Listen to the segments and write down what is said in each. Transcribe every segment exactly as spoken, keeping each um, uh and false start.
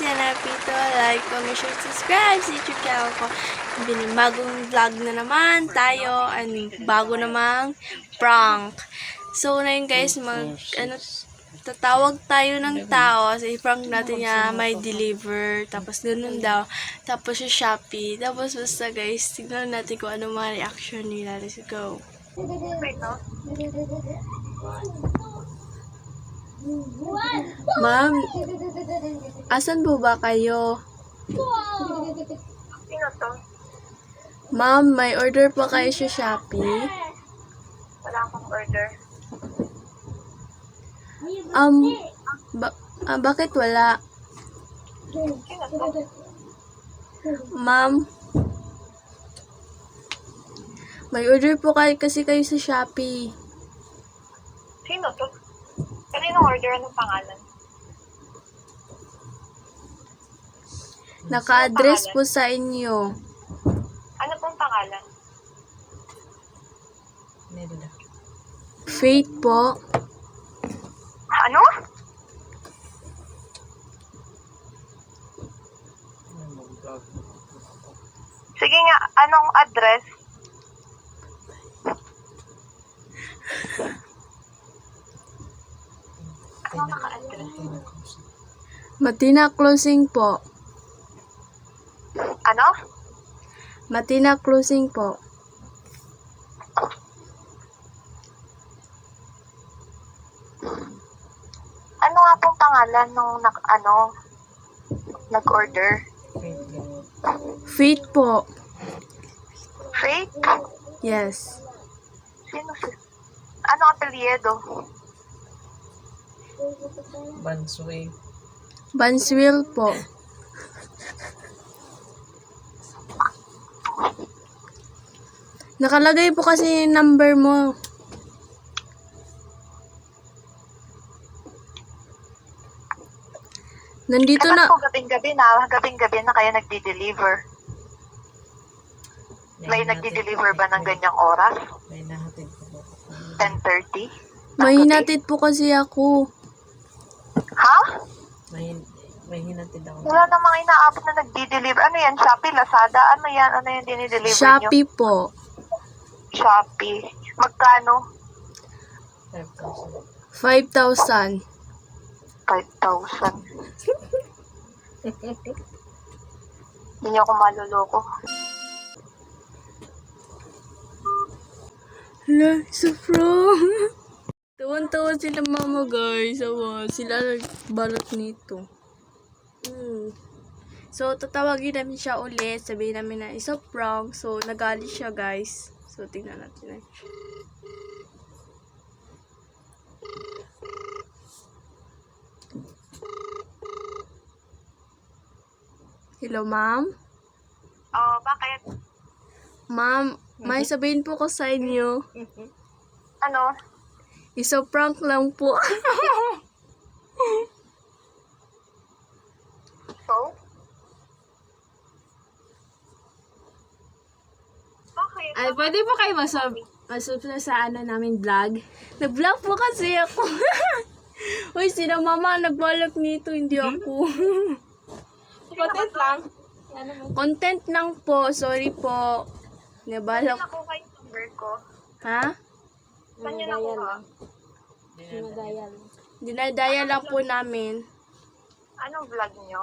Yana Pito. Like, comment, share, subscribe sa YouTube channel ko. Binibagong vlog na naman tayo. Ano, bago namang prank. So, na yun guys, mag, ano, tatawag tayo ng tao. So, i-prank natin niya, may deliver. Tapos, ganun daw. Tapos, yung Shopee. Tapos, basta guys, tignan natin kung ano mga reaction nila. Let's go. Ma'am, asan po ba kayo? Sino to? Ma'am, may order pa kayo sa Shopee? Wala akong order. Um, ba ah, bakit wala? Sino to? Ma'am, may order po kayo kasi kayo sa Shopee. Sino to? Kaninong order? Anong pangalan? Naka-address po sa inyo. Ano pong pangalan? Faith po. Ano? Sige nga, anong address? Anong naka-address? Matina Closing po. Ano? Matina Closing po. Ano nga pong pangalan nung nak ano nag-order? Faith po. Faith? Yes. Sino si... Ano apelyido? Bansway. Banswil po. Nakalagay po kasi yung number mo. Nandito Dapat na. po gabing-gabi na, gabing-gabi na kayo nagdi-deliver. May nagdi-deliver ba ng ganyang oras? May nahatid po po. ten thirty? May hinatid po kasi ako. Ha? May, may hinatid ako. Wala namang inaabot na nagdi-deliver. Ano yan? Shopee, Lazada? Ano yan? Ano yung dinideliver nyo? Shopee po. Shopee. Magkano? five thousand. five thousand. five thousand. Hindi niyo ako maluloko. Hala, so pro. Tawan-tawan sila mama guys. Awa, sila nagbalot nito. Mm. So, tatawagin namin siya ulit. Sabihin namin na isa prank. So, nagalit siya guys. So, tingnan natin na. Hello, ma'am? Oh, bakit? Ma'am, may sabihin po ko sa inyo. Ano? Isa prank lang po. So? Bakit? Ay, pwede po kayo masub masub sa ano namin vlog? Nag-vlog po kasi ako. Uy, sila mama nagbalak nito, hindi ako. Content lang. Content lang po, sorry po. Saan Nabalak. nakuha yung number ko? Ha? Saan nyo nakuha? Dinadaya lang po namin. Anong vlog nyo?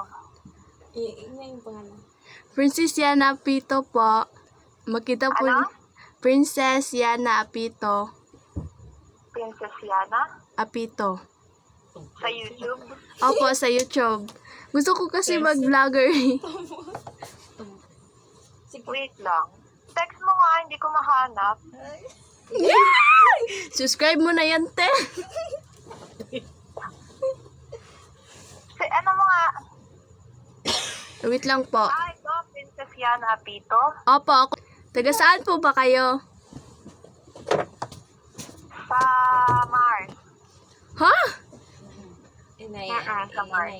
Princess Yana Apito po. Makita po. Ano? Princess Yana Apito. Princess Yana? Apito. Sa YouTube? Opo, sa YouTube. Gusto ko kasi mag-vlogger. Wait lang. Text mo nga, hindi ko mahanap. Subscribe mo na yan, te. Si, ano mo nga? Wait lang po. Ah, ito, Princess Yana Apito. Opo, ako. Taga saan po ba kayo? Sa Mars. Ha? Uh-uh, sa Mars.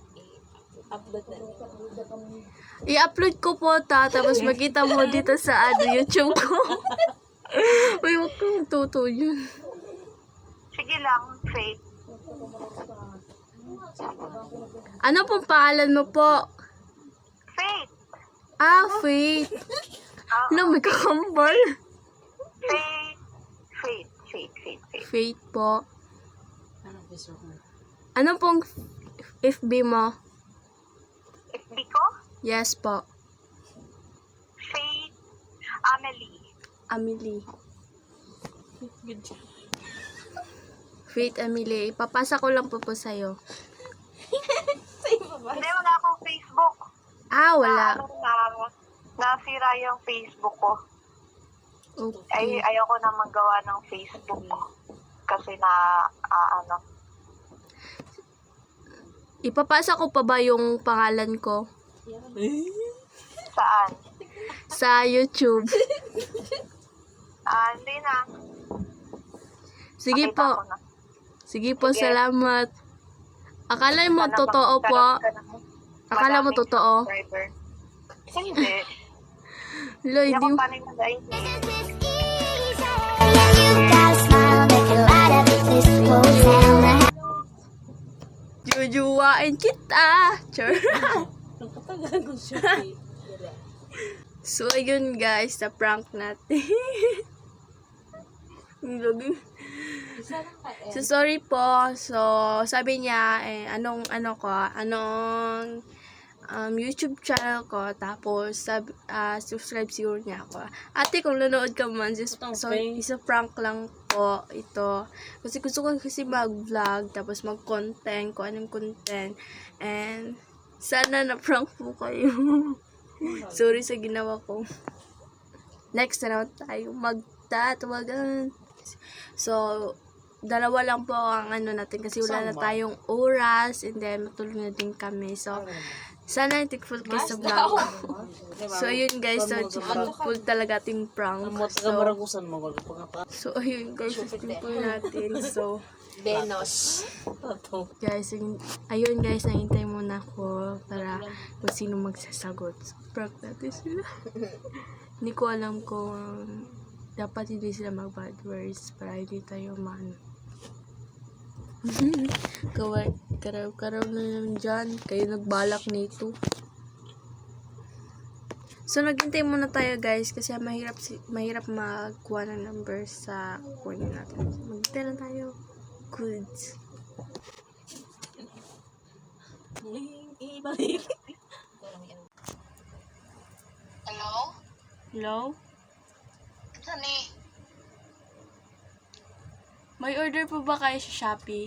I-upload ko po ta, tapos makita mo dito sa ano, YouTube ko. Uy, huwag kang tuto yun. Sige lang, Faith. Ano pong pangalan mo po? Faith. Ah, Faith. Ah, Ano, may kakambal. Faith. Faith. Faith. Faith. Faith. Faith po. Ano, Facebook mo? Ano pong F B mo? F B ko? Yes po. Faith. Amelie. Amelie. Good job. Faith Amelie. Ipapasa ko lang po po sa'yo. Hindi, wala akong Facebook. Ah, Na, wala. ano, na, nasira yung Facebook ko. Ay, Okay. ayoko na magawa ng Facebook ko. Kasi na, ah, ano, Ipapasa ko pa ba yung pangalan ko saan? sa YouTube? Ah, hindi na. Sige Pakita ko po. na. Sige po, Sige. salamat. Akala mo Sana totoo po? magkaroon ka ng Akala mo madaming totoo? subscriber. Hindi. Loy, Hindi ako di panay mag-I T. jujuwain kita. Sure. Nakatagal ko siya. So, ayun guys, sa prank natin. Ang lagi. So, sorry po. So, sabi niya, eh, anong, ano ko, anong um, YouTube channel ko. Tapos, sub, ah, subscribe siguro niya ako. Ate, kung nanonood ka man, just, so, isa prank lang po ito. Kasi gusto ko kasi mag-vlog, tapos mag-content, kung anong content. And, sana na-prank po kayo. Sorry sa ginawa ko. Next na naman tayo magtatawagan. So, dalawa lang po ang ano natin kasi wala na tayong oras and then matulog na din kami. So, sana thankful kayo sa vlog. So, ayun guys. So, thankful talaga ating prank. So, Maragusan mo. Wag pa so ayun guys. Thankful natin. So, Benos. guys, ayun, ayun guys. Nahintay muna ako para kung sino magsasagot. So, prank natin sila. Hindi ko alam kung dapat hindi sila mag-bad words para hindi tayo man. Kaway, karaw-karaw na naman dyan. Kayo nagbalak nito. So, naghintay muna tayo guys kasi mahirap si mahirap magkuha ng number sa kunin natin. Maghintay lang tayo. Goods. Hello? Hello? Sani? May order po ba kayo sa Shopee?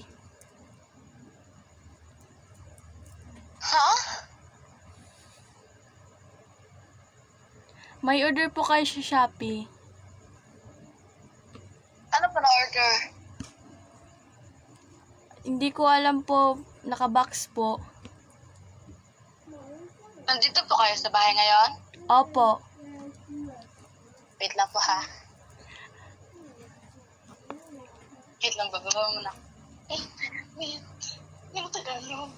Ha? May order po kayo sa Shopee. Ano pa na-order? Hindi ko alam po. Nakabox po. Nandito po kayo sa bahay ngayon? Opo. Wait lang po ha. Wait lang, bababa mo na. Eh, wait. Yung Tagalog.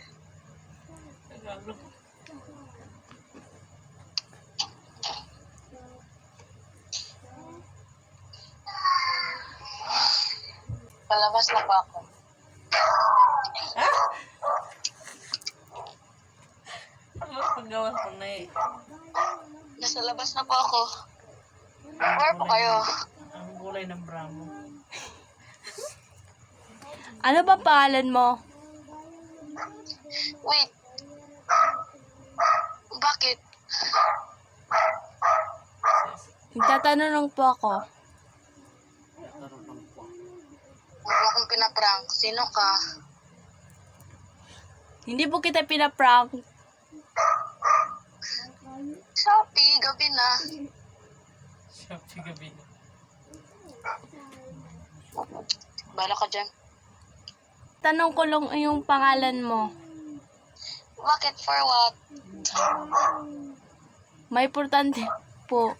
Palabas na po ako. Ano paggawa ko na eh? Nasa labas na po ako. Where po kayo? Ang gulay ng bramo. Ano ba pangalan mo? Wait. Bakit? Nagtatanong po ako. Huwag mo akong pinaprank. Sino ka? Hindi po kita pinaprank. Shopee, gabi na. Shopee gabi. Bala ka dyan. Tanong ko lang yung pangalan mo. Bakit? For what? May importante po.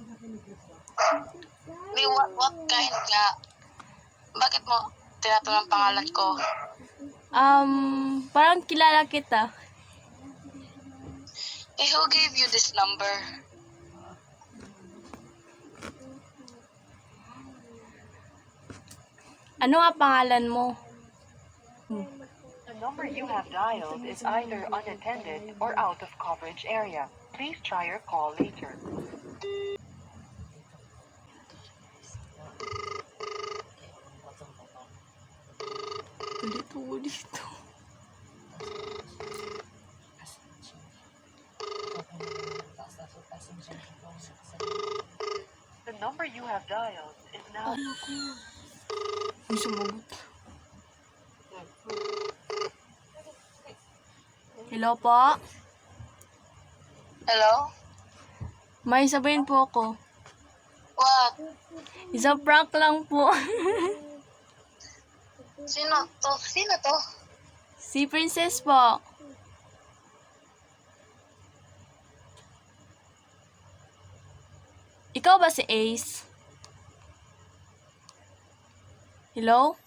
May what, what kind nga? Bakit mo tinatanong ang pangalan ko? Um, parang kilala kita. Eh, who gave you this number? Ano nga pangalan mo? Hmm. number you have dialed is either unattended or out of coverage area. Please try your call later. Ulit ako dito. The number you have dialed is now... May sumagot. Hello po? Hello? May sabihin po ako. What? Isang prank lang po. Sino to? Sino to? Si Princess po. Ikaw ba si Ace? Hello?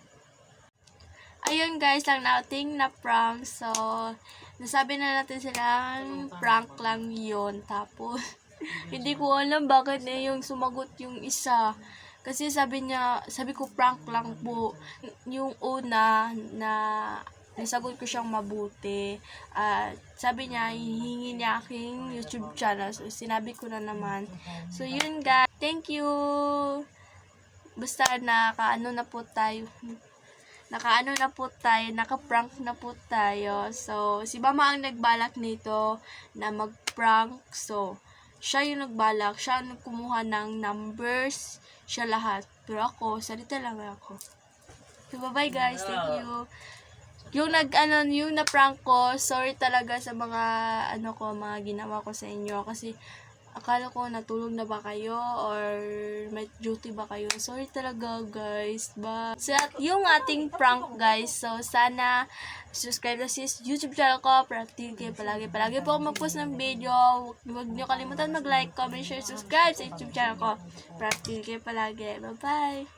Ayun guys, lang nating na prank. So, nasabi na natin silang prank lang yun. Tapos, hindi ko alam bakit na yung sumagot yung isa. Kasi sabi niya, sabi ko prank lang po. Yung una na nasagot ko siyang mabuti. At sabi niya, hihingi niya aking YouTube channel. So, sinabi ko na naman. So, yun guys. Thank you. Basta nakaano na po tayo. Nakaano na po tayo. Naka-prank na po tayo. So, si Mama ang nagbalak nito na mag-prank. So, siya yung nagbalak. Siya ang kumuha ng numbers. Siya lahat. Pero ako, salita lang ako. So, bye-bye guys. Thank you. Yung nag ano yung na prank ko, sorry talaga sa mga ano ko, mga ginawa ko sa inyo kasi akala ko natulog na ba kayo or may duty ba kayo. Sorry talaga guys. But so, yung ating prank guys. So sana subscribe na sa YouTube channel ko para update kayo palagi. Palagi po ako mag-post ng video. Huwag niyo kalimutan mag-like, comment, share, subscribe sa YouTube channel ko para update kayo palagi. Bye-bye.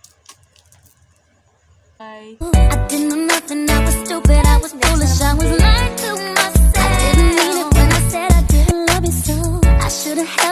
Bye. I didn't know nothing, I was stupid, I was foolish, I was lying to myself. I didn't mean it when I said I didn't love you so. I should've held